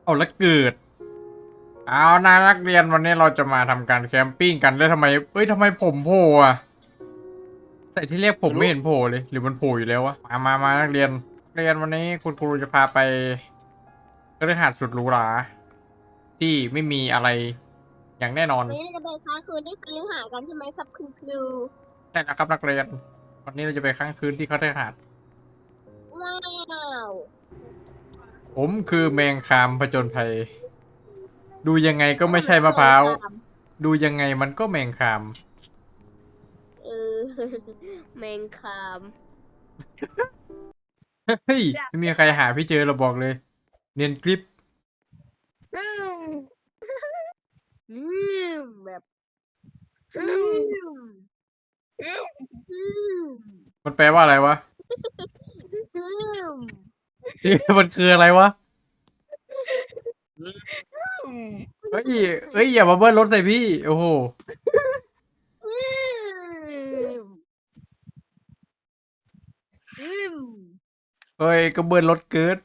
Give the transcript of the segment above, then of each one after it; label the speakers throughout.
Speaker 1: เอาแล้วเกิดเอานะนักเรียนวันนี้เราจะมาทำการแคมปิ้งกันแล้วทำไมทำไมผมโผล่อะใส่ที่เรียกผมไม่เห็นโผล่เลยหรือมันโผล่อยู่แล้ววะมานักเรียนวันนี้คุณครูจะพาไปคฤหาสน์สุดหรูหราที่ไม่มีอะไรอย่างแน่นอน
Speaker 2: วันนี้เราจะไปค้างคืนที่คฤหาสน์กันใช่ไหมครับคุณครู
Speaker 1: ใช่นะครับนักเรียนวันนี้เราจะไปค้างคืนที่คฤหาสน์
Speaker 2: ว้าว
Speaker 1: ผมคือแมงคามผจญภัยดูยังไงก็ไม่ใช่มะพร้าวดูยังไงมันก็แมงคาม
Speaker 2: เออ แมงคาม
Speaker 1: เฮ้ยไม่มีใครหาพี่เจอเราบอกเลยเนียนกริป
Speaker 2: อืแบบอืมอืม
Speaker 1: มันแปลว่าอะไรวะ
Speaker 2: อืม
Speaker 1: มันคืออะไรวะเฮ้ยอย่ามาเบิ้ลรถใส่พี่โอ้โหเฮ้ยก็เบิ้ลรถเกิด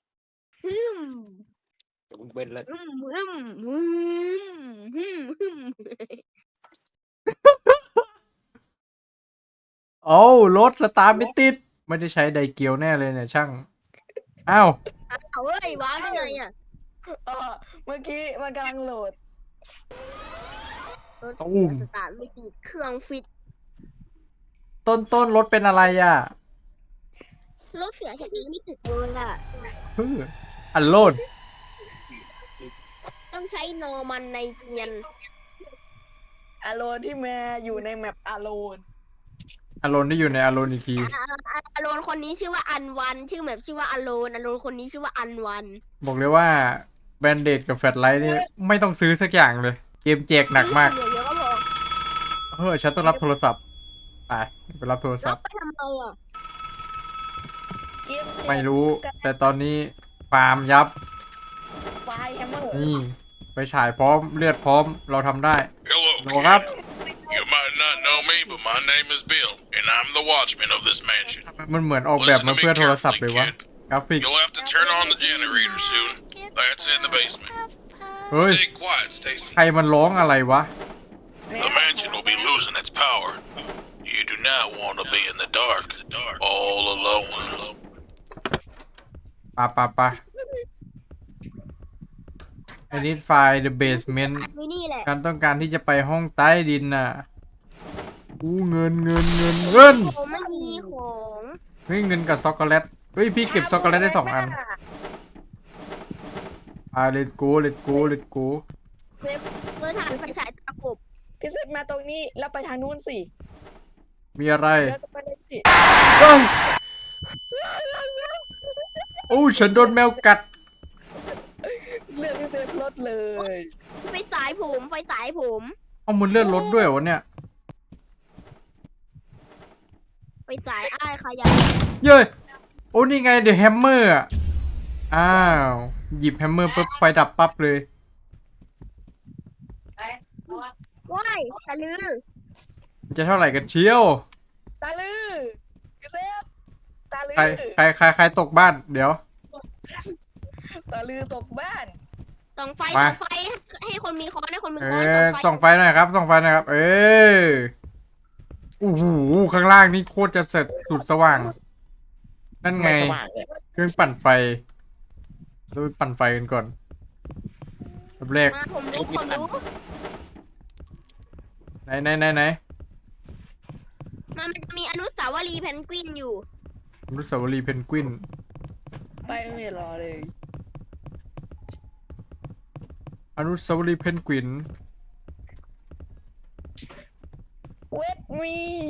Speaker 3: มึงเป็นแล้ว
Speaker 1: โอ้ารถสตาร์ทไม่ติดไม่ได้ใช้ไดเกียวแน่เลยเนี่ยช่างอ้าว
Speaker 2: เอาเว้ยว้าวได้ไงอ่ะ
Speaker 4: เมื่อกี้มันกำลังโหลด
Speaker 2: รถ
Speaker 1: ตุ้ม
Speaker 2: สตาร์ทไม่ติดเครื่องฟิต
Speaker 1: ต้นรถเป็นอะไรอ่ะ
Speaker 2: รถเสียแค่นี้ไม่ติดเลยอ่ะ
Speaker 1: อันโลด
Speaker 2: ต้องใช้นอมันในเกียน
Speaker 4: อโลนที่แม่อยู่ในแมปอโลน
Speaker 1: อารอนที่อยู่ในอารอนอีกที
Speaker 2: อโลนคนนี้ชื่อว่าอันวันชื่อแบบชื่อว่าอโลนคนนี้ชื่อว่าอันวัน
Speaker 1: บอกเลยว่าแบนเดดกับแฟลชไลท์นี่ไม่ต้องซื้อสักอย่างเลย เกมแจกหนักมาก
Speaker 2: เดี๋ยวก็บอก
Speaker 1: ฉันต้องรับโทรศัพท์ไปรับโทรศั
Speaker 2: รั
Speaker 1: พ
Speaker 2: บ
Speaker 1: ท์
Speaker 2: ไปทำไมอ่ะ
Speaker 4: เกมเจ็บ
Speaker 1: ไม่รู้ แต่ตอนนี้ฟาร์มยับ
Speaker 4: ไฟแฮมเมอร์
Speaker 1: นี่ ไปฉายพร้อมเลือดพร้อมเราทำได้
Speaker 5: Hello,
Speaker 1: โหครับ
Speaker 5: You might not know me, but my name is Bill, and I'm the watchman of this mansion.
Speaker 1: มันเหมือนออกแบบมาเพื่อโทรศัพท์เลยวะกราฟิก
Speaker 5: You'll have to turn on the generator soon. That's in the basement.
Speaker 1: เฮ้ย
Speaker 5: Stay quiet, Stacy.
Speaker 1: ใครมันร้องอะไรวะ
Speaker 5: The mansion will be losing its power. You do not want to be in the dark, all alone.
Speaker 1: ปะไอ้นิดไฟล์ the basement
Speaker 2: นี่นี่แหละ
Speaker 1: การต้องการที่จะไปห้องใต้ดินน่ะอู้เงิน
Speaker 2: ผมไม่มีของ
Speaker 1: เฮ้ยเงินกับช็อกโกแลตเฮ้ยพี่เก็บช็อกโกแลตได้2 อันlet's go
Speaker 4: เซฟ
Speaker 2: เมื่อถามไฟฉายตะกบ
Speaker 4: พี่เซฟมาตรงนี้แล้วไปทางนู้นสิ
Speaker 1: มีอะไร
Speaker 4: แล้วจะไปได้สิ
Speaker 1: เอ้ยโอ้ฉันโดนแมวกัด
Speaker 4: เลือดพี่เซฟลดเลย
Speaker 2: ไฟฉายผม
Speaker 1: เอามันเลื่อนรถด้วยเหรอวะเนี่ย
Speaker 2: ไฟฉายอ้ายขยะ
Speaker 1: เย้ยโอ้นี่ไงเดอะแฮมเมอร์อ่ะอ้าวหยิบแฮมเมอร์ปุ๊บไฟดับปั๊บเลย
Speaker 2: ว้ายตะลือ
Speaker 1: มันจะเท่าไหร่กันเชียว
Speaker 4: ตาลือพี่เซฟตาลือ
Speaker 1: ใครตกบ้านเดี๋ยว
Speaker 4: ตาลือตกบ้าน
Speaker 2: ส่องไฟ
Speaker 1: มา
Speaker 2: ส่องไฟให้คนมีคอนให้คนมีคอน
Speaker 1: ส่องไฟหน่อยครับโอ้โหข้างล่างนี่โคตรจะเสร็จสุดสว่าง นั่นไง
Speaker 3: ไม่สว่างเลย
Speaker 1: เครื่องปั่นไฟเราไปปั่นไฟกันก่อนแบบแรก
Speaker 2: มาผมรู้
Speaker 1: ไหน
Speaker 2: มันจะมีอนุสาวรีย์เพนกวินอยู่
Speaker 1: อนุสาวรีย์เพนกวิน
Speaker 4: ไปไม่รอเลย
Speaker 1: อนุสาวรีย์เพนกวิน
Speaker 4: เวทมี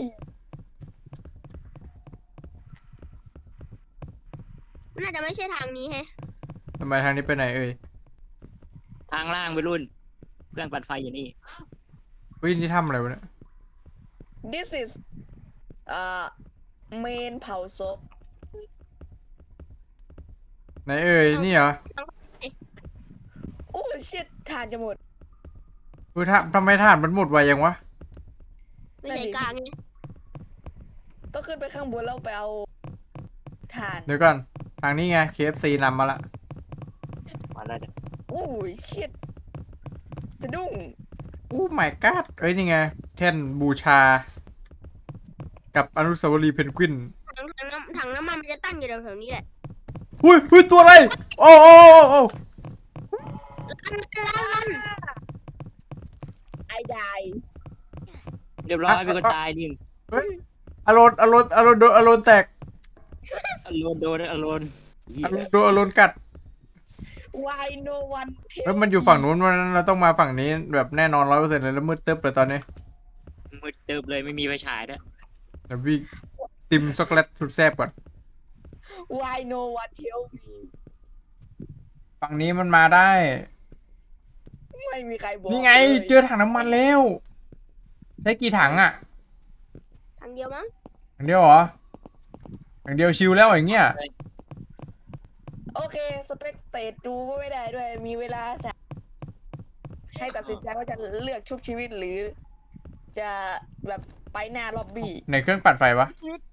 Speaker 2: น่าจะไม่ใช่ทางนี้แฮะ
Speaker 1: ทำไมทางนี้ไปไหนเอ่ย
Speaker 3: ทางล่างไปรุ่น เครื่องปั่นไฟอยู่นี่
Speaker 1: เฮ้ยนี่ทำอะไรวะเนี่ย
Speaker 4: ดิส is เมนเผาศพ
Speaker 1: ไหนเอ่ยนี่เหรอ
Speaker 4: โอ้ชิตทานจะหมด
Speaker 1: ทำไมถ่านมันหมดไวยังวะ
Speaker 2: ไม่ใช่กลางไง
Speaker 4: ต้องขึ้นไปข้างบนแล้วไปเอาทาน
Speaker 1: เดี๋ยวก่อนทางนี้ไง KFC นำมาละ
Speaker 3: มาแล้วจ้ะ
Speaker 4: โอ้ยชิดสะดุ้ง
Speaker 1: โอ้ my god เอ้ยนี่ไงแท่นบูชา กับอนุสาวรีย์เพนกวิน
Speaker 2: ถังน้ำมันมันจะตั้งอยู่แถวๆนี้แหละ
Speaker 1: อุ้ยตัวอะไรโอ้โอ้โอ้
Speaker 4: ไอ้ได้
Speaker 3: เรียบร้อยมีคนตายหนึ่ง
Speaker 1: เฮ้ยอารอนโดนอารอนแตก
Speaker 3: อโลนโดนอโลนเหี้ย
Speaker 1: อารอนโดนอารอนกัด
Speaker 4: Why no one
Speaker 1: เฮ้ยมันอยู่ฝั่งนู้นวันเราต้องมาฝั่งนี้แบบแน่นอน100%เลยแล้วมืดตึ๊บเลยตอนนี้
Speaker 3: มืดตึบเลยไม่มีไฟฉายด้วย
Speaker 1: เดี๋ยวพี่ติมช็อกโกแลตสุดแซ่บก่อน
Speaker 4: Why no one tell me
Speaker 1: ฝั่งนี้มันมาได้
Speaker 4: ไม่มีใครบอก
Speaker 1: นี่ไง
Speaker 4: เลย
Speaker 1: เจอถังน้ำมันแล้วใช้กี่ถังอ่ะ
Speaker 2: ถังเดียวมั้ง
Speaker 1: ถังเดียวเหรอถังเดียวชิลแล้วอย่างเงี้ย
Speaker 4: โอเคสเปกเตตดูก็ไม่ได้ด้วย มีเวลาสักให้ตัดสินใจว่าจะเลือกชุบชีวิตหรือ จะแบบไปหน้าล็อบบี้
Speaker 1: ในเครื่องปั่นไฟวะ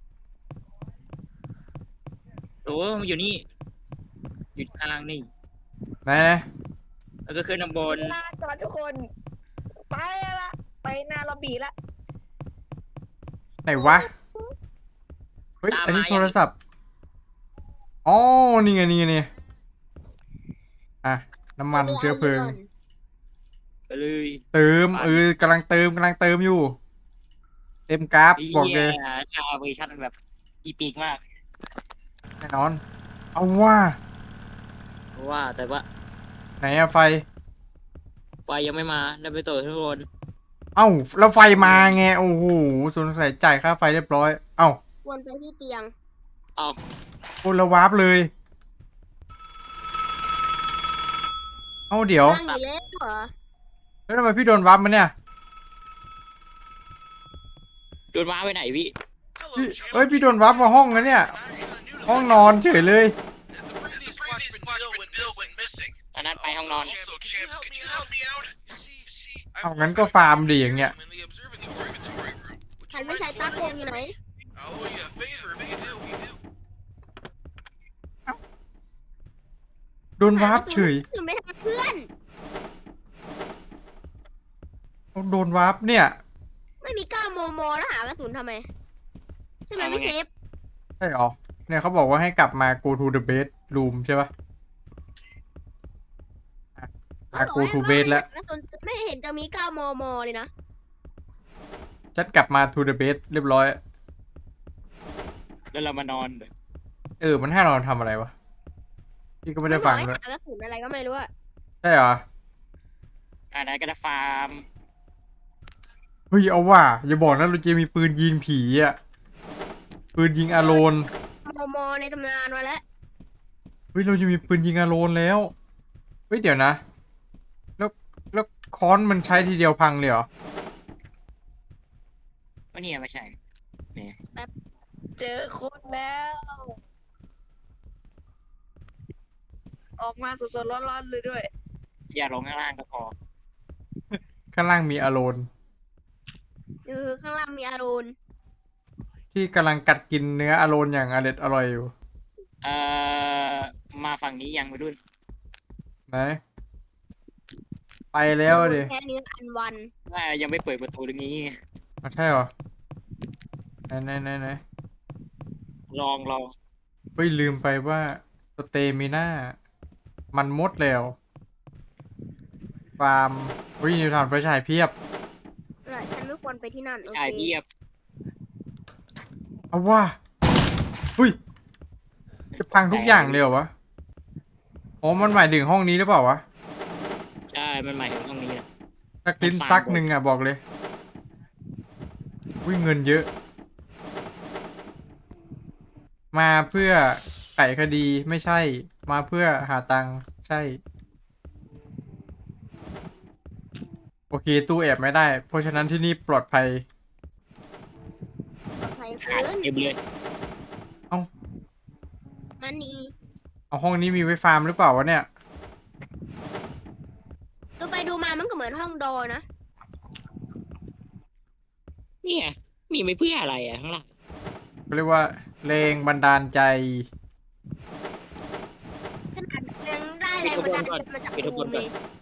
Speaker 3: โอ้มันอยู่นี่อยู่ทางนี่
Speaker 1: ไหน
Speaker 3: แล้วก็ขึ้นข้างบน
Speaker 4: ลาก่อนทุกคน ไปละไปหน้าล็อบบี้ละ
Speaker 1: ไหนวะเฮ้ยอันนี้โทรศัพท์อ๋อนี่ไงอ่ะน้ำมันเชื้อเพลิง
Speaker 3: ไปเลย
Speaker 1: เติมกำลังเติมอยู่ เต็มกราฟบอกเลย
Speaker 3: กาเวอร์ชันแบบอีปีกมาก
Speaker 1: แน่นอน เอาว่า
Speaker 3: ว่าแต่ว่า
Speaker 1: ไหนอะไฟ
Speaker 3: ไฟยังไม่มาได้ไปต่อทุกคน
Speaker 1: เอ้าแล้วไฟมาไงโอ้โหสงสัยจ่ายค่าไฟเรียบร้อย เอ้า
Speaker 2: วนไปที่เตียง
Speaker 3: เอา
Speaker 1: โอ้แล้ววาร์ปเลย เอ้าเดี๋ยว
Speaker 2: ตั้งอยู่แล้วเหรอ
Speaker 1: แล้วทำไมพี่โดนวาร์ปมาเนี่ย
Speaker 3: โดนว้าไปไหนพี่
Speaker 1: พี่เอ้ยพี่โดนวาร์ปมาห้องนะเนี่ย ห้องนอนเฉยเลย
Speaker 3: อันนั้นไปห้องนอน
Speaker 1: เอางั้นก็ฟาร์มดีอย่างเงี้ย
Speaker 2: ฉันไม่ใช้ตาโกงอยู่ไหน
Speaker 1: โดนวาร์ปเฉย
Speaker 2: หนูไม่ทำเพื่อน
Speaker 1: โดนวาร์ปเนี่ย
Speaker 2: ไม่มี9 มมแล้วหากระสุนทำไม ใช่ไหมพี่เชฟ
Speaker 1: ใช่หรอ เนี่ยเขาบอกว่าให้กลับมา go to the bedroom ใช่ปะอ่ะ go to bed แล้ว
Speaker 2: กระสุนไม่เห็นจะมี9 มมเลยนะ
Speaker 1: ฉันกลับมา to the bed เรียบร้อย
Speaker 3: แล้วเรามานอน
Speaker 1: มันให้เราทำอะไรวะ พี่ก็ไม่ได้ฟัง
Speaker 2: เล
Speaker 1: เลย ย
Speaker 2: กระสุนอะไรก็ไม่รู้อะ
Speaker 1: ใช่เหรอ
Speaker 3: อันนั้นก็จะฟาร์ม
Speaker 1: เฮ้ยเอาว่าอย่าบอกนะเราจะมีปืนยิงผีอ่ะ ปืนยิงอารอน
Speaker 2: มในตำนานมาแล้ว
Speaker 1: เฮ้ยเราจะมีปืนยิงอารอนแล้ว เฮ้ยเดี๋ยวนะ แล้วค้อนมันใช้ทีเดียวพังเลยเหรอ
Speaker 3: ว่าเนี่ยไม่ใช่เนี่ย
Speaker 4: เจอคนแล้ว ออกมาสดๆร้อนๆเลยด้วย
Speaker 3: อย่าลงข้างล่างก็พอ
Speaker 1: ข้างล่างมีอารอน
Speaker 2: ข้างล่างมีอารูน
Speaker 1: ที่กำลังกัดกินเนื้ออารอนอย่างอร่อยอยู่
Speaker 3: เอ่อมาฝั่งนี้ยังไปรุ่น
Speaker 1: ไหน ไปแล้วดิ
Speaker 2: แค่นี้อันวัน
Speaker 3: ว่ายังไม่เปิดประตูตรงนี้
Speaker 1: อ๋อใช่เหรอไหน
Speaker 3: ลอง
Speaker 1: เฮ้ยลืมไปว่าสเตมิน่ามันหมดแล้วฟาร์มเฮ้ยนิวทานไฟฉายเพียบ
Speaker 2: ฉันไม่ควรไปที่นั่นโอ
Speaker 3: จ่าย
Speaker 2: เค
Speaker 3: เทียบ
Speaker 1: เอาว่าเฮ้ยจะพังทุกอย่างเลยเหรอวะอ๋อมันหมายถึงห้องนี้หรือเปล่าวะ
Speaker 3: ใช่มันหมายถึงห้องนี้นะ
Speaker 1: สักลิ้นซักหนึ่งอ่ะบอกเลยวิ่งเงินเยอะ มาเพื่อไขคดีไม่ใช่ มาเพื่อหาตังค์ใช่ โอเคตู้แอบไม่ได้ เพราะฉะนั้นที่นี่ปลอดภัย
Speaker 2: ใคร
Speaker 3: ขาด
Speaker 2: ฟื้น
Speaker 3: เต็มเลย
Speaker 2: มันนี่
Speaker 1: เอาห้องนี้มีไว้ฟาร์มหรือเปล่าวะเนี่ย
Speaker 2: ดูไปดูมามันก็เหมือนห้องโดนะ
Speaker 3: เนี่ยมีไม่เพื่ออะไรอ่ะข้างล่าง
Speaker 1: เขาเรียกว่าแรงบันดาลใจ
Speaker 2: ขนาดยังได้แรงบันดาลใจมาจาก
Speaker 3: ปิดทุกคนก่อน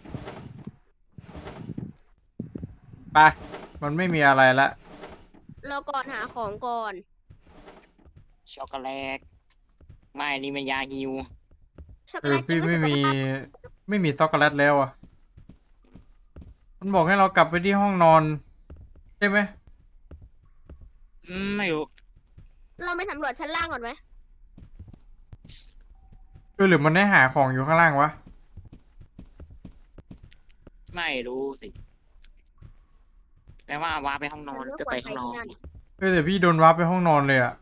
Speaker 1: ไปมันไม่มีอะไรละ
Speaker 2: เราก่อนหาของก่อน
Speaker 3: ช็อกโกแลตไม่นี่มันยาฮิว
Speaker 2: ช็อกโก
Speaker 1: เอ
Speaker 2: แล
Speaker 1: อ
Speaker 2: ต
Speaker 1: พี่
Speaker 2: จะ
Speaker 1: ไม่มีช็อกโกแลตแล้วอ่ะมันบอกให้เรากลับไปที่ห้องนอนใช่ไหม
Speaker 3: ไม่รู้
Speaker 2: เราไม่สำรวจชั้นล่างก่อนไหม
Speaker 1: หรือมันได้หาของอยู่ข้างล่างวะ
Speaker 3: ไม่รู้สิแปลว่าว้าไปห้องนอนจะไปห้องนอน
Speaker 1: แต่พี่โดนวาร์ปไปห้องนอนเลยอ่ะ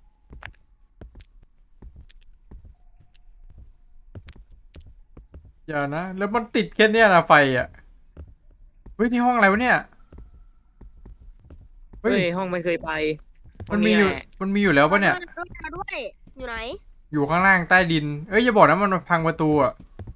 Speaker 1: อย่านะแล้วมันติดแค่เนี้ยนะไฟอ่ะเฮ้ยนี่ห้องอะไรวะเนี่ยเฮ้
Speaker 3: เฮ้
Speaker 1: ย
Speaker 3: ยห้องไม่เคยไปห้
Speaker 1: มั
Speaker 3: อง
Speaker 1: นมีอยู่
Speaker 3: แหละ
Speaker 1: มันมีอยู่แล้วปะเนี่ย
Speaker 2: ด้วยอยู่ไหน
Speaker 1: อยู่ข้างล่างใต้ดิน เอ้ยอย่าบอกนะมันมาพังประตูอ่ะ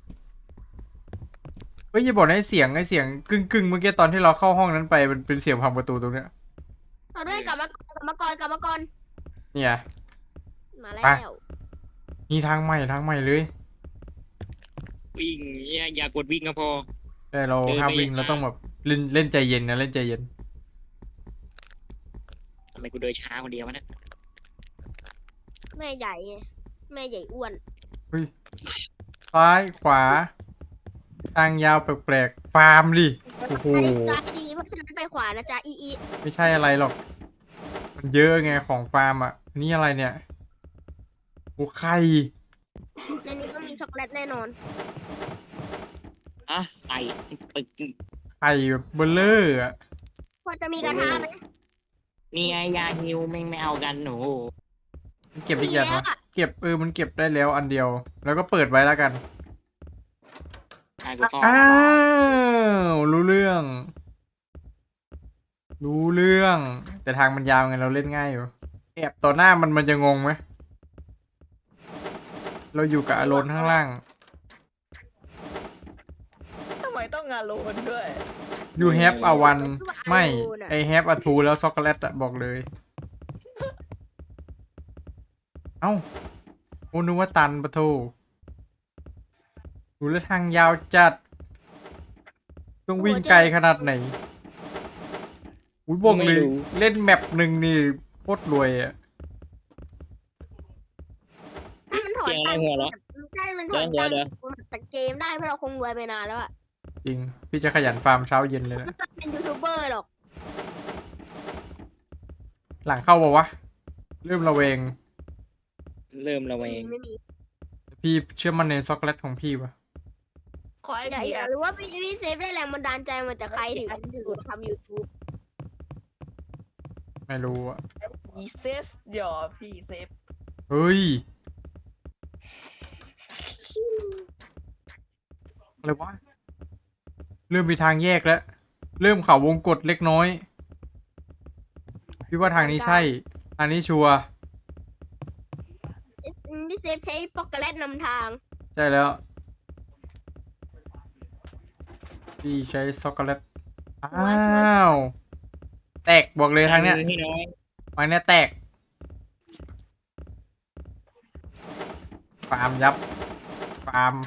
Speaker 1: เฮ้ยอย่าบอกนะไอเสียงกึ่งเมื่อกี้ตอนที่เราเข้าห้องนั้นไปมันเป็นเสียงพังประตูตรงเนี้ย
Speaker 2: เอาด้วยกลับมาก่อน
Speaker 1: เนี่ย
Speaker 2: มาแล้
Speaker 1: ไป
Speaker 2: ว
Speaker 1: นี่ทางใหม่เลย
Speaker 3: วิ่งเนี่ยอย่ากดวิ่งก็พอ
Speaker 1: แต่เรา
Speaker 3: เดิน
Speaker 1: ห้าม
Speaker 3: ไป
Speaker 1: วิ่ง
Speaker 3: อย่าง
Speaker 1: เราต้องแบบเล่นใจเย็นนะเล่นใจเย็น
Speaker 3: ทำไมกูเดินช้าคนเดียววะเนี่ย
Speaker 2: แม่ใหญ่ไงแม่ใหญ่อ้วน
Speaker 1: ซ้ายขวา ทางยาวแปลกๆฟาร์มดิโอ้โห
Speaker 2: ซ้ายดีเพราะฉะนั้นไปขวานะจ๊ะอี
Speaker 1: ไม่ใช่อะไรหรอก มันเยอะไงของฟาร์มอ่ะ นี่อะไรเนี่ยโอ้ไข่
Speaker 2: ในนี้ต้องมีช็อกโกแลตแน่นอน
Speaker 3: อ่ะไก่ปึก
Speaker 1: ไข่แบบเบลเลอร์อ่ะ
Speaker 2: พอจะมีกระทะไหม
Speaker 3: นี่ไงยาฮิวแม่งไม่เอากันหนู
Speaker 1: มันเก็บได้
Speaker 2: มี
Speaker 1: กี่อัน
Speaker 2: แล้ว
Speaker 1: วะ
Speaker 2: อะ
Speaker 1: เก็บมันเก็บได้แล้วอันเดียว แล้วก็เปิดไว้แล้วกัน
Speaker 3: ไอ้กูซ่อน
Speaker 1: อ้าวรู้เรื่อง แต่ทางมันยาวไงเราเล่นง่ายอยู่แอบต่อหน้ามันจะงงไหมเราอยู่กับอารอนข้างล่าง
Speaker 4: ทำไมต้องงานโลนด้วย
Speaker 1: you have a one ไม่ I have a two แล้วช็อกโกแลตอะบอกเลย เอ้าโอ้นึกว่าตันปะโทดูแล้วทางยาวจัด ต้องวิ่งไกลขนาดไหนอุ้ยบอกเลยเล่นแมปหนึ่งนี่โคตรรวยอะ
Speaker 2: ถ้ามันถอน
Speaker 3: เสียงอะไร
Speaker 2: ตังค์
Speaker 3: หัวเราะ
Speaker 2: ถ้ามันถอน
Speaker 3: เดี๋
Speaker 2: ตั
Speaker 3: ยว
Speaker 2: ง
Speaker 3: เดี๋ยว
Speaker 2: ค์จากเกมได้เพราะเราคงรวยไปนานแล้วอะ
Speaker 1: จริง พี่จะขยันฟาร์มเช้าเย็นเลยนะ
Speaker 2: ไม่ต้องเป็นยูทูบเบอร์หรอก
Speaker 1: หลังเข้าบอกวะเริ่มระแวง
Speaker 3: เริ่มระแวง
Speaker 2: ไม่มี
Speaker 1: พี่เชื่อมันในช็อกโกแลตของพี่ปะ
Speaker 4: ขอให้
Speaker 2: อย่า
Speaker 4: ผี
Speaker 2: อย่ารู้ว่าพี่เซฟได้แรงบันดาลใจมาจากใครถึงทำ YouTube
Speaker 1: ไม่รู้อะ
Speaker 4: ผีเซฟหยอพี่เซฟ
Speaker 1: เฮ้ยอะไรวะเริ่มมีทางแยกแล้ว เริ่มเขาวงกตเล็กน้อย พี่ว่าทางนี้ใช่ ทางนี้ชัวร์
Speaker 2: พี่เซฟใช้ช็อกโกแลตนำทาง
Speaker 1: ใช่แล้ว พี่ใช้ช็อกโกแลต อ้าว แตกบอกเลยทางเนี้ย
Speaker 3: พี่น้อย
Speaker 1: ทางเนี้ยแตก ฟาร์มยับ ฟาร์ม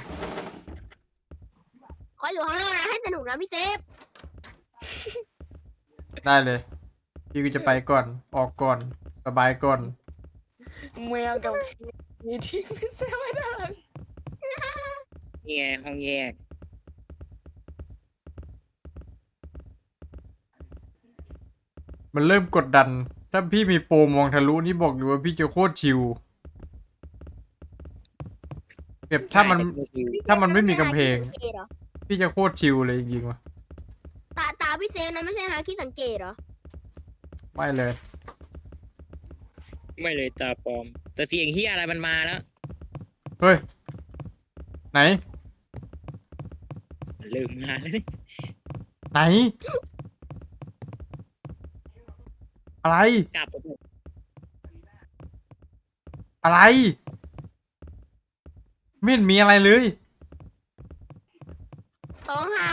Speaker 2: ขออยู่ข้างนอกนะให้สนุกนะพี่เซฟ
Speaker 1: ได้เลย พี่ก็จะไปก่อน ออกก่อน สบายก่อน
Speaker 4: แมวกับมีทิ้งพี่เซฟไว้ด้านหลัง
Speaker 3: นี่ไงห้องแยก
Speaker 1: มันเริ่มกดดัน ถ้าพี่มีโปรมองทะลุนี่บอกเลยว่าพี่จะโคตรชิลแบบถ้ามันไม่มีกำแพง พี่จะโคตรชิลเลยจริงๆว่ะ
Speaker 2: ตาพี่เซฟนั้นไม่ใช่ฮาคิดสังเกตเหรอ
Speaker 1: ไม่เลย
Speaker 3: ไม่เลยตาปลอม แต่เสียงเฮียอะไรมันมาแล้ว
Speaker 1: เฮ้ย ไหน
Speaker 3: มันเริ่มมาแล้วนี่
Speaker 1: ไหน อะไร
Speaker 3: กลับ
Speaker 1: อะไร ไม่เห็นมีอะไรเลย
Speaker 2: สองหาง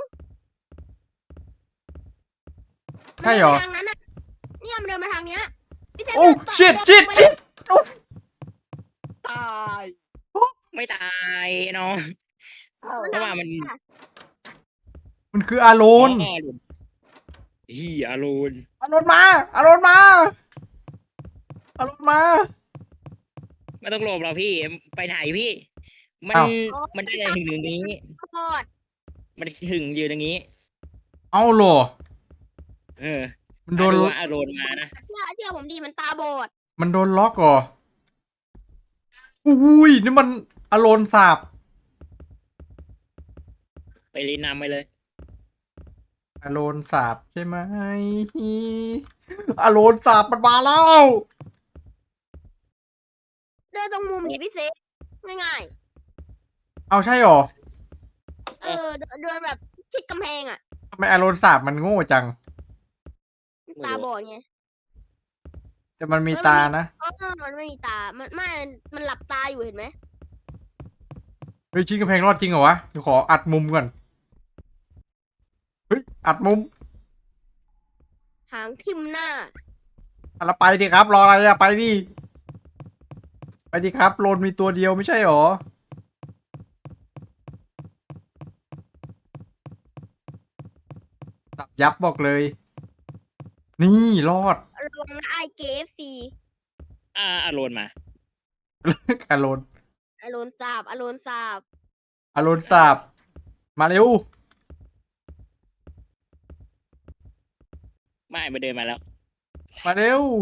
Speaker 1: ใช่เหรอ
Speaker 2: มันเดินไปทางนั้นน่ะเนี่ยมันเดินมาทางเนี้ยพี่เซฟ
Speaker 1: โอ้
Speaker 2: เดินต่อ
Speaker 1: ชิด
Speaker 2: เดิน
Speaker 1: ชิด
Speaker 2: ไป
Speaker 1: ชิด
Speaker 4: ตาย
Speaker 3: ไม่ตายน้องเพราะว่ามัน
Speaker 1: มันคืออาโร
Speaker 3: อ๋อน ฮีอารูน
Speaker 1: อาโรนมาอาโรนมาอาโรนมา
Speaker 3: ไม่ต้องหลบหรอกพี่ไปไหนพี่ มัน
Speaker 1: อ้าว
Speaker 3: มันได้ถึงตรงนี้
Speaker 2: ทอด
Speaker 3: มันถึงอยู่ตรงนี้
Speaker 1: เอาเหรอ
Speaker 3: เออ
Speaker 1: มันโดน
Speaker 3: ว่าอารูนมานะ
Speaker 2: เชื่อผมดีมันตาบอด
Speaker 1: มันโดนล็อกเหรออุ้ยนี่มันอาโรนสาบ
Speaker 3: ไปรีนำไปเลย
Speaker 1: อาโรนสาบใช่ไหมอาโรนสาบมันมาแล้ว
Speaker 2: เดินตรงมุมดิพี่เซฟง่าย
Speaker 1: เอาใช่เหรอ
Speaker 2: ๆเดินแบบชิดกำแพงอ่ะ
Speaker 1: ทำไมอาโรนสาบมันโง่จัง
Speaker 2: ตาบอดไง
Speaker 1: แต่มันมีตานะ
Speaker 2: มันไม่มีตา มันหลับตาอยู่เห็นไหม
Speaker 1: เฮ้ยชิ้นกำแพงรอดจริงเหรอวะเดี๋ยวขออัดมุมก่อน เฮ้ย อัดมุม
Speaker 2: หางทิ่มหน้า
Speaker 1: อะละไปดิครับ รออะไรอะไปดิ ไปดิครับ โลนมีตัวเดียวไม่ใช่หรอ ตับยับบอกเลย นี่รอด
Speaker 2: ลงไอเกฟซี
Speaker 3: อารูนมา
Speaker 1: อารอน
Speaker 2: อโลนสาบ
Speaker 1: อารอนสาบ มาเร็ว
Speaker 3: ไม่มาเดินมาแล้ว
Speaker 1: มาเร็ว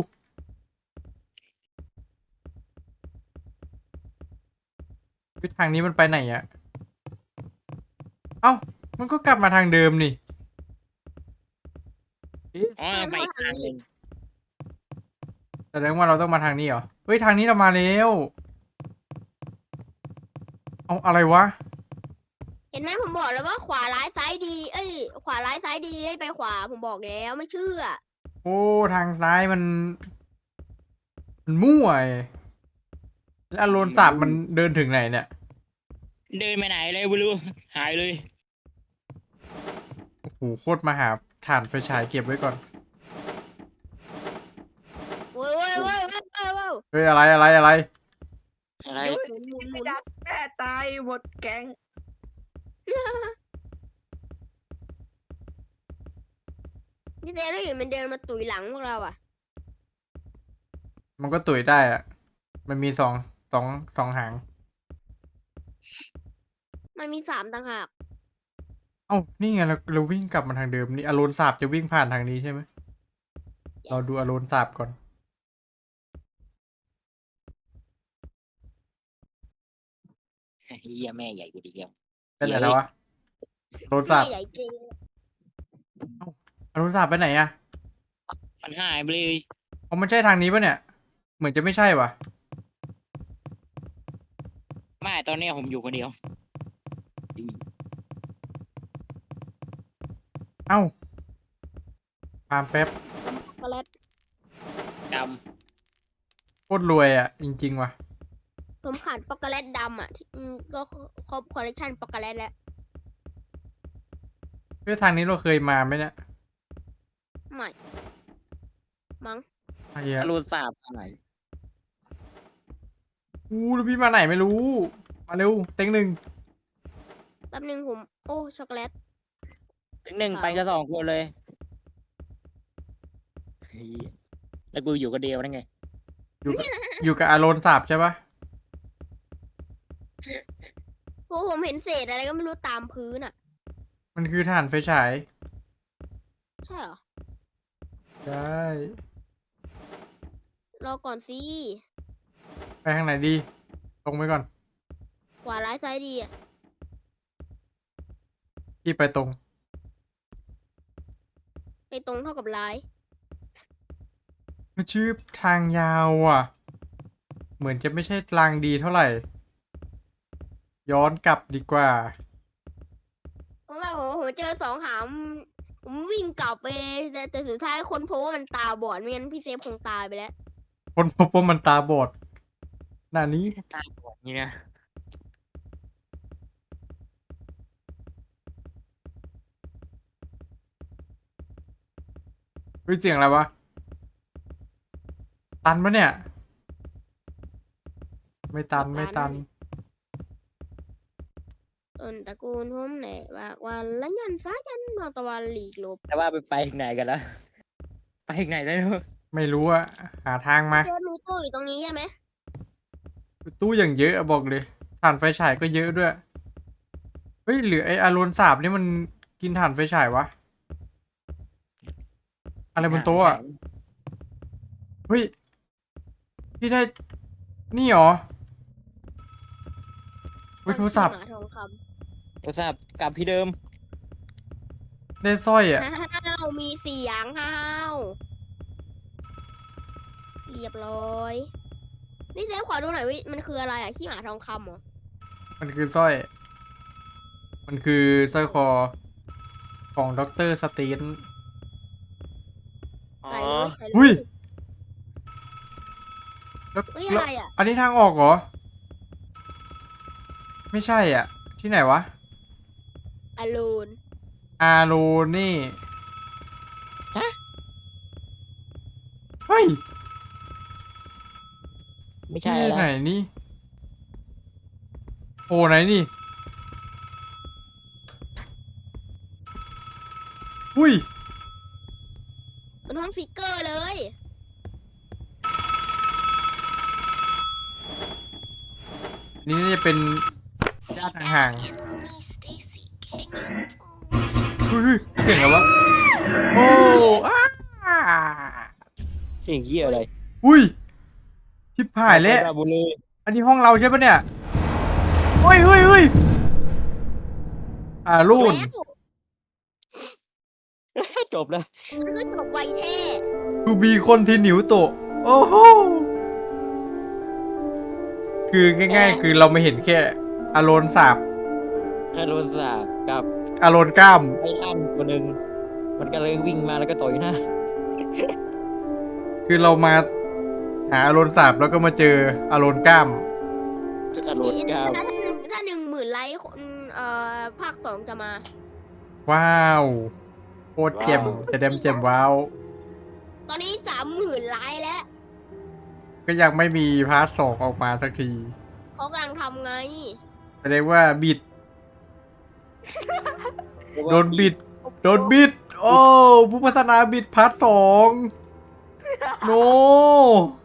Speaker 1: คือทางนี้มันไปไหนอะเอ้า มันก็กลับมาทางเดิมนี่
Speaker 3: อ๋อไปอีกทางหนึ่ง
Speaker 1: แสดงว่าเราต้องมาทางนี้เหรอ เฮ้ย ทางนี้เรามาแล้ว เอาอะไรวะ
Speaker 2: เห็นไหมผมบอกแล้วว่าขวาร้ายซ้ายดี ขวาร้ายซ้ายดีให้ไปขวาผมบอกแล้วไม่เชื่อ
Speaker 1: โอ้ ทางซ้ายมัน มันมั่วไอ้แล้วอารอนสาบมันเดินถึงไหนเนี่ย
Speaker 3: เดินไปไหนเลยไม่รู้หายเลย
Speaker 1: โอ้โห โคตรมาหาถ่านไฟฉายเก็บไว้ก่อน
Speaker 2: โว้ยโว้ยโว้ยโว้ยโว้ยโว้ย
Speaker 1: เฮ้ย อะไรอะไรอะไร
Speaker 3: อะไร
Speaker 4: ยุ้ย
Speaker 2: หมุนหมุนหมุ
Speaker 4: ไม่
Speaker 2: น
Speaker 4: ดักแม่ตายหมดแก๊ง
Speaker 2: พี่เซฟได้เห็นมันเดินมาตุยหลังพวกเราอ่ะ
Speaker 1: มันก็ตุ๋ยได้อะมันมีสองหาง
Speaker 2: มันมี3ต่างหาก
Speaker 1: เอ้า นี่ไงเราวิ่งกลับมาทางเดิมนี่อารอนสาบจะวิ่งผ่านทางนี้ใช่ไหม เราดูอารอนสาบก่อน
Speaker 3: เฮียแม่ใหญ่กว่าเดียว
Speaker 1: เป็นอะไรแล้ววะอารอนสาบ
Speaker 2: ใหญ่จริง
Speaker 1: อารอนสาบไปไหนอะ
Speaker 3: มันหายไปเลย
Speaker 1: อ๋อมันใช่ทางนี้ปะเนี่ย เหมือนจะไม่ใช่วะ
Speaker 3: ไม่ตอนนี้ผมอยู่คนเดียว
Speaker 1: เอ้าตามแป๊บ
Speaker 2: ช็อกโกแลต
Speaker 3: ด
Speaker 1: โคตรรวยอะจริงๆว่ะ
Speaker 2: ผมขาดช็อกโกแลตดำอ่ะก็ครบคอลเลคชันช็อกโกแลตแล้ว
Speaker 1: เฮ้ยทางนี้เราเคยมาไหมเนี่ย
Speaker 2: ไม่มั้ง
Speaker 1: ไอ้
Speaker 3: ำ
Speaker 1: เหี้ย
Speaker 3: อารูนสาบไหน
Speaker 1: อู้แล้วพี่มาไหนไม่รู้ มาเร็ว เต็งหนึ่ง
Speaker 2: แป๊บนึงผม โอ้ช็อกโกแลต
Speaker 3: ถึงหนึ่งไปก็2 คนเลยเหี้ยแล้วกูอยู่คนเดียวนั่นไง
Speaker 1: อยู่กับอารอนสาบใช่ปะ
Speaker 2: โอ้ผมเห็นเศษอะไรก็ไม่รู้ตามพื้นอ่ะ
Speaker 1: มันคือถ่านไฟฉาย
Speaker 2: ใช่เหรอ
Speaker 1: ใช่
Speaker 2: รอก่อนสิ
Speaker 1: ไปทางไหนดี ตรงไปก่อน
Speaker 2: ขวาร้ายซ้ายดีอ่ะ
Speaker 1: พี่ไปตรง
Speaker 2: ไปตรงเท่ากับร้าย
Speaker 1: ชื่อทางยาวอ่ะ เหมือนจะไม่ใช่ทางดีเท่าไหร่ ย้อนกลับดีกว่า
Speaker 2: เพราะว่าผมเจอ2 หางผมวิ่งกลับไปแต่สุดท้ายคนพบว่ามันตาบอดไม่งั้นพี่เซฟคงตายไปแล้ว
Speaker 1: คนพบว่ามันตาบอดหน้านี้
Speaker 3: ตาบอดนี่นะ
Speaker 1: เฮ้ยเสียงอะไรวะ ตันปะเนี่ย ไม่ตันไม่ตัน
Speaker 2: ต้นตระกูลผมแหละว่าวันละยันฟ้ายันนอนตะวันหลีกหลบ
Speaker 3: แต่ว่าไปถึงไหนกันแล้วไปถึงไหนแล้ว
Speaker 1: ไม่รู้อะหาทางมา
Speaker 2: เจอมีตู้อยู่ตรงนี้ใช่ไหม
Speaker 1: ตู้อย่างเยอะอะบอกเลยถ่านไฟฉายก็เยอะด้วย เฮ้ยหรือไออารอนสาบนี่มันกินถ่านไฟฉายวะ อะไรบนโต๊ะอะเฮ้ยพี่ได้ นี่เหรอเฮ้ยโทรศัพท์
Speaker 2: หมาทองค
Speaker 3: โทรศัพท์กลับที่เดิม
Speaker 1: ได้สร้อย
Speaker 2: ำ
Speaker 1: อะ
Speaker 2: ห้าวมีเสียงห้าวเรียบร้อยพี่เซฟขอดูหน่อยวิมันคืออะไรอ่ะขี้หมาทองคำเหรอ
Speaker 1: มันคือสร้อย มันคือสร้อยคอของด็อกเตอร์สตีน
Speaker 3: อ๋อ
Speaker 2: ใส่เลยใส่เล
Speaker 1: อุ้ย
Speaker 2: ย
Speaker 1: แล้ว
Speaker 2: เฮ้ย
Speaker 1: แล้
Speaker 2: อะ
Speaker 1: ว
Speaker 2: ไรอ่ะ
Speaker 1: อันนี้ทางออกเหรอ ไม่ใช่อ่ะ ที่ไหนวะ
Speaker 2: อลูน
Speaker 1: อาโรนี่ เฮ้ย
Speaker 3: ไม่ใช่
Speaker 1: ที่
Speaker 3: แล้ว
Speaker 1: ไหนนี่ โอ้ไหนนี่ อุ้ย
Speaker 2: มันห้องฟิกเกอร์เลย
Speaker 1: นี่น่าจะเป็นญาติห่างๆอุ้ยเสียงอะไรวะ โอ้อ้า
Speaker 3: เสียงเหี้ยอะไร
Speaker 1: อุ้ย ชิบหายแล้ว
Speaker 3: ราบุรี
Speaker 1: อันนี้ห้องเราใช่ปะเนี่ยเฮ้ยเฮ้ยเฮ้ยรุ่น
Speaker 2: แล้ว
Speaker 3: จบแล้ว
Speaker 2: มันก็จบไวแท้
Speaker 1: ทูบีคนที่หนิวโตะโอ้โห คือง่ายๆ คือเราไม่เห็นแค่อารอนสาบ
Speaker 3: แค่โทรศัพท์กับ
Speaker 1: อารอนกล้าม
Speaker 3: ไอ้ลั่นตัวหนึ่งมันก็เลยวิ่งมาแล้วก็ต่อยหน้า
Speaker 1: คือเรามาหาอารอนสาบแล้วก็มาเจออารอนกล้าม
Speaker 3: จุดอรรถก้าว
Speaker 2: ถ้า10,000 ไลค์คนภาค 2จะมา
Speaker 1: ว้าวโคตรเจ็มจะเดมเจ็มว้าว
Speaker 2: ตอนนี้ 30,000 ไลค์แล้ว
Speaker 1: ก็ยังไม่มีพาร์ทสองออกมาสักที
Speaker 2: เขากำลังทำไง
Speaker 1: แสดงว่าบิด โดนบิด โดนบิด โอ้ ผู้พัฒนาบิดพาร์ทสองโน